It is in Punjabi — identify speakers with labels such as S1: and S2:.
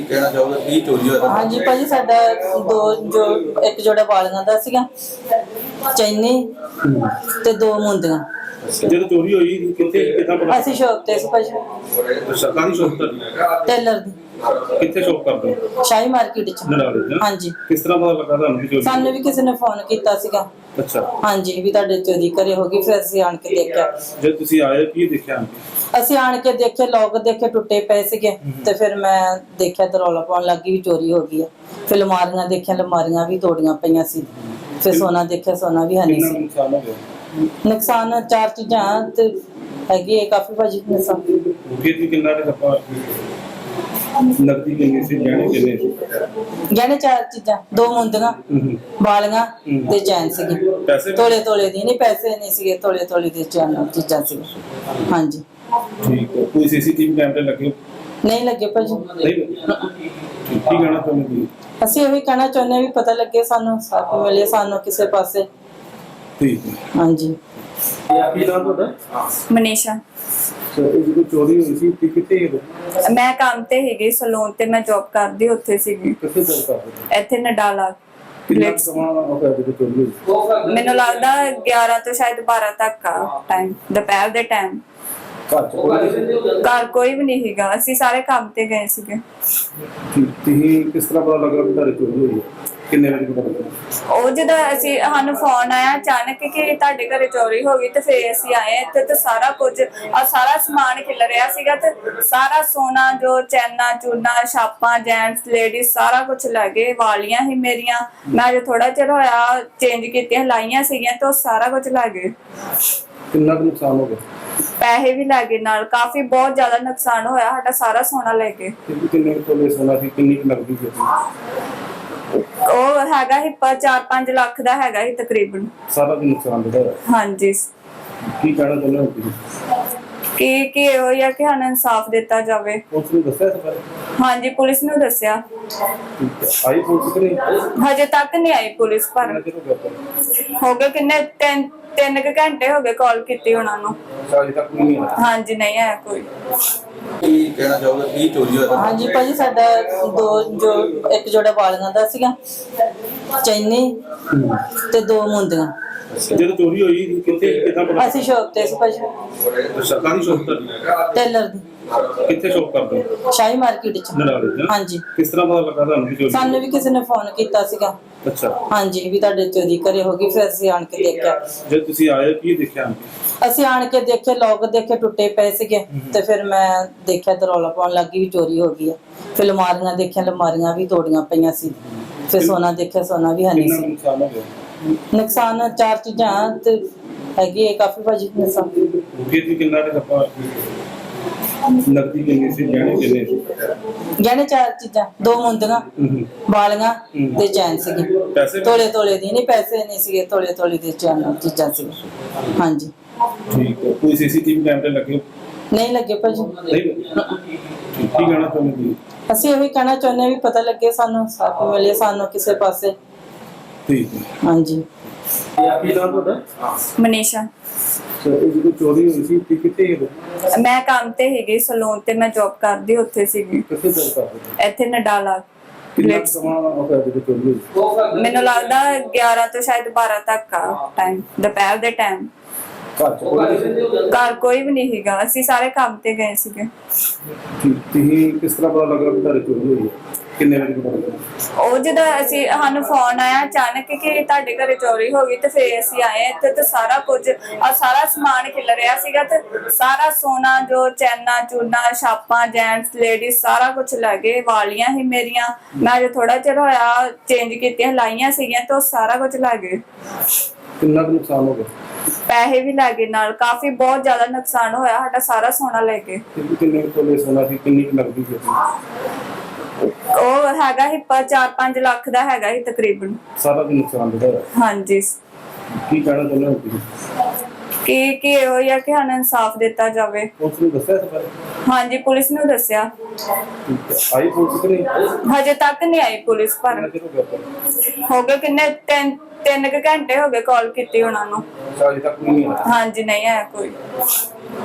S1: ਕਹਿਣਾ ਚਾਹੋਗੇ ਕੀ ਚੋਰੀ ਹੋਇਆ?
S2: ਹਾਂਜੀ ਭਾਜੀ, ਸਾਡਾ ਇੱਕ ਜੋੜਾ ਵਾਲੀਆਂ ਦਾ ਸੀਗਾ, ਚੈਨੀ ਤੇ 2 ਮੁੰਦੀਆਂ।
S1: ਜਦੋਂ ਚੋਰੀ ਹੋਈ ਕਿੱਦਾਂ ਪਤਾ?
S2: ਅਸੀਂ ਸ਼ੌਪ ਤੇ ਸੀ ਭਾਜੀ,
S1: ਸਰਕਾਰੀ ਸ਼ੌਪ
S2: ਟੇਲਰ ਦੀ।
S1: ਕਿੱਥੇ ਸ਼ੌਪ ਕਰਦੇ ਹੋ?
S2: ਸ਼ਾਹੀ ਮਾਰਕੀਟ ਚ।
S1: ਨਰਾਲੇ?
S2: ਹਾਂਜੀ।
S1: ਕਿਸ ਤਰ੍ਹਾਂ ਪਤਾ ਲੱਗਾ ਤੁਹਾਨੂੰ ਕਿ ਚੋਰੀ?
S2: ਸਾਨੂੰ ਵੀ ਕਿਸੇ ਨੇ ਫੋਨ ਕੀਤਾ ਸੀਗਾ।
S1: ਅੱਛਾ।
S2: ਹਾਂਜੀ, ਵੀ ਤੁਹਾਡੇ ਚੋਰੀ ਘਰੇ ਹੋ ਗਈ। ਫਿਰ ਅਸੀਂ ਆਣ ਕੇ ਦੇਖਿਆ।
S1: ਜਦ ਤੁਸੀਂ ਆਏ ਕੀ ਦੇਖਿਆ?
S2: ਅਸੀਂ ਆਣ ਕੇ ਦੇਖੇ, ਲੋਕ ਦੇਖੇ ਟੁੱਟੇ ਪਏ ਸੀਗੇ ਤੇ ਫਿਰ ਮੈਂ ਦੇਖਿਆ ਤੇ ਰੌਲਾ ਪਾਉਣ ਲੱਗੀ ਵੀ ਚੋਰੀ ਹੋ ਗਈ ਆ। ਫਿਰ ਅਲਮਾਰੀਆਂ ਦੇਖਿਆ, ਅਲਮਾਰੀਆਂ ਵੀ ਤੋੜੀਆਂ ਪਈਆਂ ਸੀ। ਫਿਰ ਸੋਨਾ ਦੇਖਿਆ, ਸੋਨਾ ਵੀ ਹੈ ਨਹੀਂ ਸੀ।
S1: ਨੁਕਸਾਨ ਹੋ ਗਿਆ?
S2: ਨੁਕਸਾਨ 4 ਚੀਜ਼ਾਂ ਤੇ ਹੈਗੀ ਹੈ ਕਾਫੀ ਭਾਜੀ ਨੁਕਸਾਨ।
S1: ਫਿਰ ਵੀ ਕਿੰਨਾ ਕੁ ਆਪਾਂ ਨਕਦੀ ਕਿੰਨੀ ਸੀ, ਗਹਿਣੇ ਕਿੰਨੇ ਸੀ?
S2: ਗਹਿਣੇ 4 ਚੀਜ਼ਾਂ, 2 ਮੁੰਦੀਆਂ, ਵਾਲੀਆਂ ਤੇ ਚੈਨ ਸੀਗੀ।
S1: ਪੈਸੇ?
S2: ਤੋਲੇ ਦੀ ਨਹੀਂ, ਪੈਸੇ ਨਹੀਂ ਸੀਗੇ, ਤੋਲੇ ਦੇ ਚੀਜ਼ਾਂ ਸੀ। ਹਾਂਜੀ।
S1: ਠੀਕ ਹੈ। ਕੋਈ ਸੀਸੀਟੀਵੀ ਕੈਮਰੇ ਲੱਗੇ?
S2: ਨਹੀਂ ਲੱਗੇ ਭਾਜੀ।
S1: ਨਹੀਂ ਲੱਗੇ? ਕੀ ਕਹਿਣਾ ਚਾਹੁੰਦੇ?
S2: ਅਸੀਂ ਇਹੀ ਕਹਿਣਾ ਚਾਹੁੰਦੇ ਹਾਂ ਵੀ ਪਤਾ ਲੱਗੇ ਸਾਨੂੰ, ਸਾਥ ਮਿਲੇ ਸਾਨੂੰ ਕਿਸੇ ਪਾਸੇ।
S1: ਠੀਕ ਹੈ।
S2: ਹਾਂਜੀ।
S1: ਕੀ ਨਾਮ ਤੁਹਾਡਾ?
S3: ਮਨੀਸ਼ਾ।
S1: ਇਹ ਜਦੋਂ ਚੋਰੀ ਹੋਈ ਸੀ ਤੇ ਕਿੱਥੇ ਗਏ?
S3: ਮੈਂ ਕੰਮ ਤੇ ਹੈਗੀ ਸਲੂਨ ਤੇ, ਮੈਂ ਜੌਬ ਕਰਦੀ ਉੱਥੇ ਸੀਗੀ,
S1: ਕਿੱਥੇ ਜੌਬ ਕਰਦੇ?
S3: ਇੱਥੇ ਨਡਾਲਾ।
S1: ਕਿੰਨਾ ਸਮਾਂ ਹੋ ਗਿਆ ਜਦੋਂ ਚੋਰੀ ਹੋਈ?
S3: ਮੈਨੂੰ ਲੱਗਦਾ 11 ਤੋਂ ਸ਼ਾਇਦ 12 ਤੱਕ ਆ ਟਾਈਮ, ਦੁਪਹਿਰ ਦੇ ਟਾਈਮ।
S1: ਘਰ ਚ ਕੋਈ ਨਹੀਂ ਸੀ?
S3: ਘਰ ਕੋਈ ਵੀ ਨਹੀਂ ਸੀਗਾ, ਅਸੀਂ ਸਾਰੇ ਕੰਮ ਤੇ ਗਏ ਸੀਗੇ।
S1: ਤੁਸੀਂ ਕਿਸ ਤਰ੍ਹਾਂ ਪਤਾ ਲੱਗਾ ਕਿ ਤੁਹਾਡੀ ਚੋਰੀ ਹੋਈ ਹੈ? ਕਿੰਨੇ ਵਜੇ ਪਤਾ ਲੱਗਾ?
S3: ਉਹ ਜਦੋਂ ਸਾਨੂੰ ਫੋਨ ਆਇਆ ਅਚਾਨਕ ਕਿ ਤੁਹਾਡੇ ਘਰੇ ਚੋਰੀ ਹੋ ਗਈ, ਤੇ ਫਿਰ ਅਸੀਂ ਆਏ ਇੱਥੇ ਤੇ ਸਾਰਾ ਕੁਝ ਸਾਰਾ ਸਮਾਨ ਖਿਲ ਰਿਹਾ ਸੀਗਾ ਤੇ ਸਾਰਾ ਸੋਨਾ ਜੋ ਚੈਨਾ ਚੂਨਾ ਛਾਪਾਂ ਜੈਂਟਸ ਲੇਡੀਜ਼ ਸਾਰਾ ਕੁਝ ਲੈ ਗਏ। ਵਾਲੀਆਂ ਹੀ ਮੇਰੀਆਂ, ਮੈਂ ਜੋ ਥੋੜਾ ਚਿਰ ਹੋਇਆ ਚੇਂਜ ਕੀਤੀਆਂ ਲਾਈਆਂ ਸੀਗੀਆਂ ਤੇ ਉਹ ਸਾਰਾ ਕੁਝ ਲੈ ਗਏ।
S1: ਕਿੰਨਾ ਕੁ ਨੁਕਸਾਨ ਹੋ ਗਿਆ?
S3: ਪੈਸੇ ਵੀ ਲੈ ਗਏ ਨਾਲ, ਕਾਫੀ ਬਹੁਤ ਜ਼ਿਆਦਾ ਨੁਕਸਾਨ ਹੋਇਆ ਸਾਡਾ, ਸਾਰਾ ਸੋਨਾ ਲੈ ਗਏ।
S1: ਕਿੰਨੇ ਤੋਲੇ ਸੋਨਾ ਸੀ, ਕਿੰਨੀ ਕੁ ਨਕਦੀ ਸੀ?
S3: ਉਹ ਹੈਗਾ ਹੀ 4-5 ਲੱਖ ਦਾ ਹੈਗਾ ਹੀ ਤਕਰੀਬਨ।
S1: ਸਾਰਾ ਦਿਨ ਨੁਕਸਾਨ ਹੋਇਆ?
S3: ਹਾਂਜੀ।
S1: ਕੀ ਕਹਿਣਾ ਚਾਹੁੰਦੇ ਹੋ ਤੁਸੀਂ?
S3: ਕਿ ਇਹੋ ਹੀ ਆ ਕਿ ਸਾਨੂੰ ਇਨਸਾਫ ਦਿੱਤਾ ਜਾਵੇ।
S1: ਪੁਲਿਸ ਨੂੰ ਦੱਸਿਆ ਇਸ ਬਾਰੇ?
S3: ਹਾਂਜੀ, ਪੁਲਿਸ ਨੂੰ ਦੱਸਿਆ।
S1: ਆਈ ਪੁਲਿਸ ਕਿ ਨਹੀਂ?
S3: ਹਜੇ ਤੱਕ ਨਹੀਂ ਆਈ ਪੁਲਿਸ, ਪਰ
S1: ਕਿੰਨਾ ਚਿਰ ਹੋ ਗਿਆ ਤੁਹਾਨੂੰ?
S3: ਹੋ ਗਏ ਕਿੰਨੇ 3 ਘੰਟੇ ਹੋ ਗਏ ਕਾਲ ਕੀਤੀ ਉਹਨਾਂ ਨੂੰ।
S1: ਅਜੇ ਤੱਕ ਨਹੀਂ ਆਇਆ?
S3: ਹਾਂਜੀ, ਨਹੀਂ ਆਇਆ ਕੋਈ।
S1: ਕੀ ਕਹਿਣਾ ਚਾਹੋਗੇ ਕੀ ਚੋਰੀ ਹੋਇਆ?
S2: ਹਾਂਜੀ ਭਾਜੀ, ਸਾਡਾ ਇੱਕ ਜੋੜਾ ਵਾਲੀਆਂ ਦਾ ਸੀਗਾ, ਚੈਨੀ ਤੇ 2 ਮੁੰਦੀਆਂ।
S1: ਜਦੋਂ ਚੋਰੀ ਹੋਈ ਕਿੱਦਾਂ ਪਤਾ?
S2: ਅਸੀਂ ਸ਼ੌਪ ਤੇ ਸੀ ਭਾਜੀ,
S1: ਸਰਕਾਰੀ ਸ਼ੌਪ
S2: ਟੇਲਰ ਦੀ।
S1: ਕਿੱਥੇ ਸ਼ੌਪ ਕਰਦੇ ਹੋ?
S2: ਸ਼ਾਹੀ ਮਾਰਕੀਟ ਚ।
S1: ਨਰਾਲੇ?
S2: ਹਾਂਜੀ।
S1: ਕਿਸ ਤਰ੍ਹਾਂ ਪਤਾ ਲੱਗਾ ਤੁਹਾਨੂੰ ਕਿ ਚੋਰੀ?
S2: ਸਾਨੂੰ ਵੀ ਕਿਸੇ ਨੇ ਫੋਨ ਕੀਤਾ ਸੀਗਾ।
S1: ਅੱਛਾ।
S2: ਹਾਂਜੀ, ਵੀ ਤੁਹਾਡੇ ਚੋਰੀ ਘਰੇ ਹੋ ਗਈ। ਫਿਰ ਅਸੀਂ ਆਣ ਕੇ ਦੇਖਿਆ।
S1: ਜਦ ਤੁਸੀਂ ਆਏ ਕੀ ਦੇਖਿਆ?
S2: ਅਸੀਂ ਆਣ ਕੇ ਦੇਖੇ, ਲੋਕ ਦੇਖੇ ਟੁੱਟੇ ਪਏ ਸੀਗੇ ਤੇ ਫਿਰ ਮੈਂ ਦੇਖਿਆ ਤੇ ਰੌਲਾ ਪਾਉਣ ਲੱਗੀ ਵੀ ਚੋਰੀ ਹੋ ਗਈ ਆ। ਫਿਰ ਅਲਮਾਰੀਆਂ ਦੇਖਿਆ, ਅਲਮਾਰੀਆਂ ਵੀ ਤੋੜੀਆਂ ਪਈਆਂ ਸੀ। ਫਿਰ ਸੋਨਾ ਦੇਖਿਆ, ਸੋਨਾ ਵੀ ਹੈ ਨਹੀਂ
S1: ਕਿੰਨਾ
S2: ਸੀ।
S1: ਨੁਕਸਾਨ ਹੋ ਗਿਆ?
S2: ਨੁਕਸਾਨ 4 ਚੀਜ਼ਾਂ ਤੇ ਹੈਗੀ ਹੈ ਕਾਫੀ ਭਾਜੀ ਨੁਕਸਾਨ।
S1: ਫਿਰ ਵੀ ਕਿੰਨਾ ਕੁ ਆਪਾਂ ਨਕਦੀ ਕਿੰਨੀ ਸੀ, ਗਹਿਣੇ ਕਿੰਨੇ ਸੀ?
S2: ਗਹਿਣੇ 4 ਚੀਜ਼ਾਂ, 2 ਮੁੰਦੀਆਂ, ਵਾਲੀਆਂ ਤੇ ਚੈਨ ਸੀਗੀ।
S1: ਪੈਸੇ?
S2: ਤੋਲੇ ਦੀ ਨਹੀਂ, ਪੈਸੇ ਨਹੀਂ ਸੀਗੇ, ਤੋਲੇ ਦੇ ਚੀਜ਼ਾਂ ਸੀ। ਹਾਂਜੀ।
S1: ਠੀਕ ਹੈ। ਕੋਈ ਸੀਸੀਟੀਵੀ ਕੈਮਰੇ ਲੱਗੇ?
S2: ਨਹੀਂ ਲੱਗੇ ਭਾਜੀ।
S1: ਨਹੀਂ ਲੱਗੇ? ਕੀ ਕਹਿਣਾ ਚਾਹੁੰਦੇ?
S2: ਅਸੀਂ ਇਹੀ ਕਹਿਣਾ ਚਾਹੁੰਦੇ ਹਾਂ ਵੀ ਪਤਾ ਲੱਗੇ ਸਾਨੂੰ, ਸਾਥ ਮਿਲੇ ਸਾਨੂੰ ਕਿਸੇ ਪਾਸੇ।
S1: ਠੀਕ ਹੈ।
S2: ਹਾਂਜੀ।
S1: ਕੀ ਨਾਮ ਤੁਹਾਡਾ?
S3: ਮਨੀਸ਼ਾ।
S1: ਇਹ ਜਦੋਂ ਚੋਰੀ ਹੋਈ ਸੀ ਤੇ ਕਿੱਥੇ ਗਏ?
S3: ਮੈਂ ਕੰਮ ਤੇ ਹੈਗੀ ਸਲੂਨ ਤੇ, ਮੈਂ ਜੌਬ ਕਰਦੀ ਉੱਥੇ ਸੀਗੀ,
S1: ਕਿੱਥੇ ਜੌਬ ਕਰਦੇ?
S3: ਇੱਥੇ ਨਡਾਲਾ।
S1: ਕਿੰਨਾ ਸਮਾਂ ਹੋ ਗਿਆ ਜਦੋਂ ਚੋਰੀ ਹੋਈ?
S3: ਮੈਨੂੰ ਲੱਗਦਾ 11 ਤੋਂ ਸ਼ਾਇਦ 12 ਤੱਕ ਆ ਟਾਈਮ, ਦੁਪਹਿਰ ਦੇ ਟਾਈਮ।
S1: ਘਰ ਚ ਕੋਈ ਨਹੀਂ ਸੀ?
S3: ਘਰ ਕੋਈ ਵੀ ਨਹੀਂ ਸੀਗਾ, ਅਸੀਂ ਸਾਰੇ ਕੰਮ ਤੇ ਗਏ ਸੀਗੇ।
S1: ਤੁਸੀਂ ਕਿਸ ਤਰ੍ਹਾਂ ਪਤਾ ਲੱਗਾ ਕਿ ਤੁਹਾਡੀ ਚੋਰੀ ਹੋਈ ਹੈ? ਕਿੰਨੇ ਵਜੇ ਪਤਾ ਲੱਗਾ?
S3: ਉਹ ਜਦੋਂ ਸਾਨੂੰ ਫੋਨ ਆਇਆ ਅਚਾਨਕ ਕਿ ਤੁਹਾਡੇ ਘਰੇ ਚੋਰੀ ਹੋ ਗਈ, ਤੇ ਫਿਰ ਅਸੀਂ ਆਏ ਇੱਥੇ ਤੇ ਸਾਰਾ ਕੁਝ ਸਾਰਾ ਸਮਾਨ ਖਿਲ ਰਿਹਾ ਸੀਗਾ ਤੇ ਸਾਰਾ ਸੋਨਾ ਜੋ ਚੈਨਾ ਚੂਨਾ ਛਾਪਾਂ ਜੈਂਟਸ ਲੇਡੀਜ਼ ਸਾਰਾ ਕੁਝ ਲੈ ਗਏ। ਵਾਲੀਆਂ ਹੀ ਮੇਰੀਆਂ, ਮੈਂ ਜੋ ਥੋੜਾ ਚਿਰ ਹੋਇਆ ਚੇਂਜ ਕੀਤੀਆਂ ਲਾਈਆਂ ਸੀਗੀਆਂ ਤੇ ਉਹ ਸਾਰਾ ਕੁਝ ਲੈ ਗਏ।
S1: ਕਿੰਨਾ ਕੁ ਨੁਕਸਾਨ ਹੋ ਗਿਆ?
S3: ਪੈਸੇ ਵੀ ਲੈ ਗਏ ਨਾਲ, ਕਾਫੀ ਬਹੁਤ ਜ਼ਿਆਦਾ ਨੁਕਸਾਨ ਹੋਇਆ ਸਾਡਾ, ਸਾਰਾ ਸੋਨਾ ਲੈ ਗਏ।
S1: ਕਿੰਨੇ ਤੋਲੇ ਸੋਨਾ ਸੀ, ਕਿੰਨੀ ਕੁ ਨਕਦੀ ਸੀ?
S3: ਉਹ ਹੈਗਾ ਹੀ 4-5 ਲੱਖ ਦਾ ਹੈਗਾ ਹੀ ਤਕਰੀਬਨ।
S1: ਸਾਰਾ ਦਿਨ ਨੁਕਸਾਨ ਹੋਇਆ?
S3: ਹਾਂਜੀ।
S1: ਕੀ ਕਹਿਣਾ ਚਾਹੁੰਦੇ ਹੋ ਤੁਸੀਂ?
S3: ਕਿ ਇਹੋ ਹੀ ਆ ਕਿ ਸਾਨੂੰ ਇਨਸਾਫ ਦਿੱਤਾ ਜਾਵੇ।
S1: ਪੁਲਿਸ ਨੂੰ ਦੱਸਿਆ ਇਸ ਬਾਰੇ?
S3: ਹਾਂਜੀ, ਪੁਲਿਸ ਨੂੰ ਦੱਸਿਆ।
S1: ਆਈ ਪੁਲਿਸ ਕਿ ਨਹੀਂ?
S3: ਹਜੇ ਤੱਕ ਨਹੀਂ ਆਈ ਪੁਲਿਸ, ਪਰ
S1: ਕਿੰਨਾ ਚਿਰ ਹੋ ਗਿਆ ਤੁਹਾਨੂੰ?
S3: ਹੋ ਗਏ ਕਿੰਨੇ 3 ਘੰਟੇ ਹੋ ਗਏ ਕਾਲ ਕੀਤੀ ਉਹਨਾਂ ਨੂੰ।
S1: ਅਜੇ ਤੱਕ ਨਹੀਂ ਆਇਆ?
S3: ਹਾਂਜੀ, ਨਹੀਂ ਆਇਆ ਕੋਈ।